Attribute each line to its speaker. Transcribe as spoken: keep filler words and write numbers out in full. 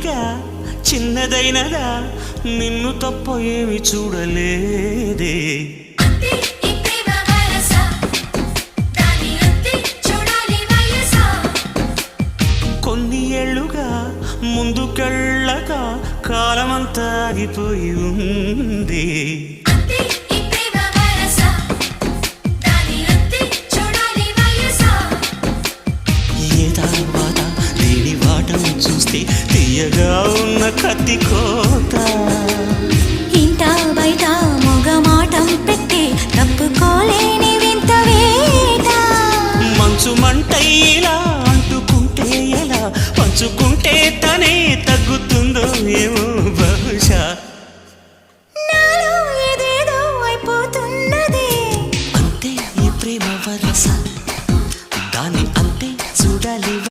Speaker 1: కోరిక చిన్నదైనదా నిన్ను తప్ప ఏమి చూడలేదే కొన్ని ఏళ్ళుగా ముందుకెళ్ళక కాలమంతా ఆగిపోయి ఉంది ఏ తర్వాత దేని వాటం చూస్తే తీయగా ఉన్న కత్తి కోత